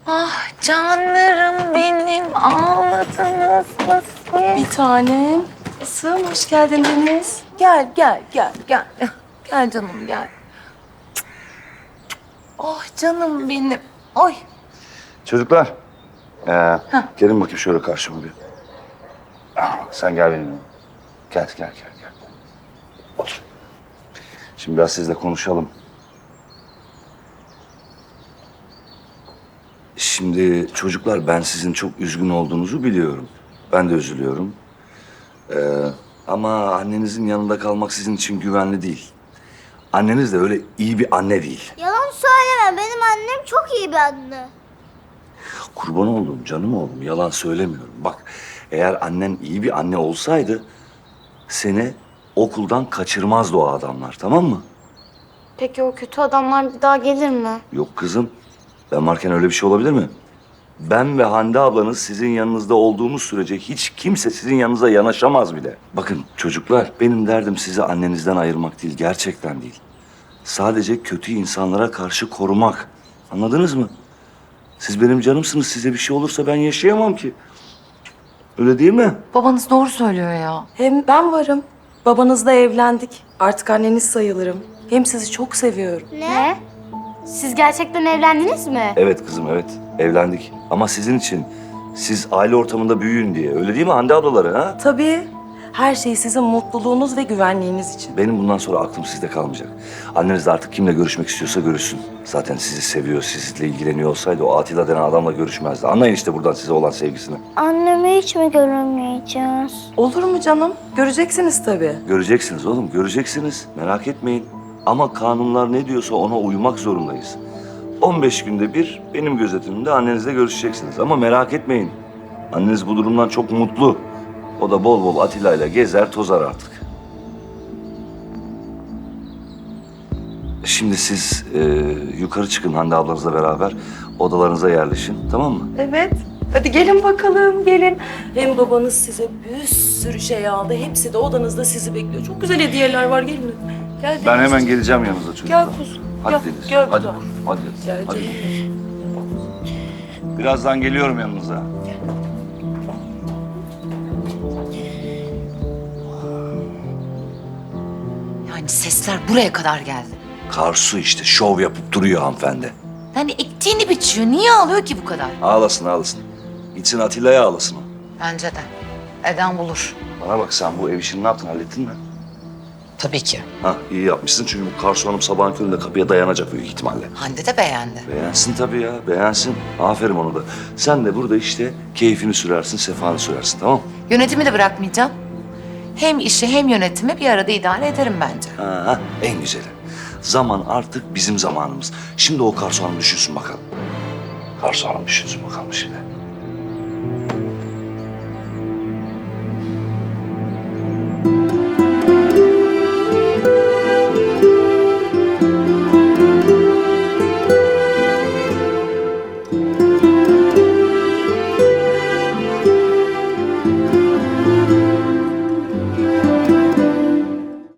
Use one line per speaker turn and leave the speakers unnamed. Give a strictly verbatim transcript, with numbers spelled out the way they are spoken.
Ah canlarım benim, ağladınız mı siz?
Bir tanem. Kızım hoş geldin Deniz.
Gel, gel, gel, gel. Gel canım, gel. Oh canım benim. Oy.
Çocuklar, ee, gelin bakayım şöyle karşıma bir. Ah, sen gel benimle. Gel, gel, gel, gel. Otur. Şimdi biraz sizle konuşalım. Şimdi çocuklar, ben sizin çok üzgün olduğunuzu biliyorum. Ben de üzülüyorum. Ee, ama annenizin yanında kalmak sizin için güvenli değil. Anneniz de öyle iyi bir anne değil.
Yalan söyleme. Benim annem çok iyi bir anne.
Kurban olduğum canım oğlum, yalan söylemiyorum. Bak, eğer annen iyi bir anne olsaydı seni okuldan kaçırmazdı o adamlar, tamam mı?
Peki o kötü adamlar bir daha gelir mi?
Yok kızım, ben varken öyle bir şey olabilir mi? Ben ve Hande ablanız sizin yanınızda olduğumuz sürece hiç kimse sizin yanınıza yanaşamaz bile. Bakın çocuklar, benim derdim sizi annenizden ayırmak değil, gerçekten değil. Sadece kötü insanlara karşı korumak. Anladınız mı? Siz benim canımsınız, size bir şey olursa ben yaşayamam ki. Öyle değil mi?
Babanız doğru söylüyor ya.
Hem ben varım. Babanızla evlendik. Artık anneniz sayılırım. Hem sizi çok seviyorum.
Ne? Siz gerçekten evlendiniz mi?
Evet kızım, evet. Evlendik. Ama sizin için, siz aile ortamında büyüyün diye. Öyle değil mi Hande ablaları ha?
Tabii. Her şey sizin mutluluğunuz ve güvenliğiniz için.
Benim bundan sonra aklım sizde kalmayacak. Anneniz de artık kimle görüşmek istiyorsa görüşsün. Zaten sizi seviyor, sizinle ilgileniyor olsaydı o Atilla denen adamla görüşmezdi. Anlayın işte buradan size olan sevgisini.
Annemi hiç mi göremeyeceğiz?
Olur mu canım? Göreceksiniz tabii.
Göreceksiniz oğlum, göreceksiniz. Merak etmeyin. Ama kanunlar ne diyorsa ona uymak zorundayız. on beş günde bir benim gözetimimde annenizle görüşeceksiniz. Ama merak etmeyin. Anneniz bu durumdan çok mutlu. O da bol bol Atilla ile gezer tozar artık. Şimdi siz e, yukarı çıkın Hande ablanızla beraber. Odalarınıza yerleşin, tamam mı?
Evet. Hadi gelin bakalım, gelin. Hem babanız size bir sürü şey aldı. Hepsi de odanızda sizi bekliyor. Çok güzel hediyeler var. Gelin. Gel
Ben
Deniz.
hemen geleceğim yanınıza çocuklar.
Gel kuzum.
Hadi
Gel,
Deniz,
gel
hadi.
kuzum.
Hadi,
Gel
hadi.
canım.
Birazdan geliyorum yanınıza.
Yani sesler buraya kadar geldi.
Karsu işte şov yapıp duruyor hanımefendi.
Yani ektiğini biçiyor. Niye ağlıyor ki bu kadar?
Ağlasın ağlasın. Gitsin Atilla'ya ağlasın o.
Bence de. Eden bulur.
Bana bak, sen bu ev işini ne yaptın, hallettin mi?
Tabii ki.
Ha, iyi yapmışsın çünkü bu Karsu Hanım sabahın köründe kapıya dayanacak büyük ihtimalle.
Hande de beğendi.
Beğensin tabii ya, beğensin. Aferin onu da. Sen de burada işte keyfini sürersin, sefanı sürersin, tamam mı?
Yönetimi de bırakmayacağım. Hem işi hem yönetimi bir arada idare ederim bence.
Ha, ha, en güzeli. Zaman artık bizim zamanımız. Şimdi o Karsu Hanım düşünsün bakalım. Karsu Hanım düşünsün bakalım şimdi.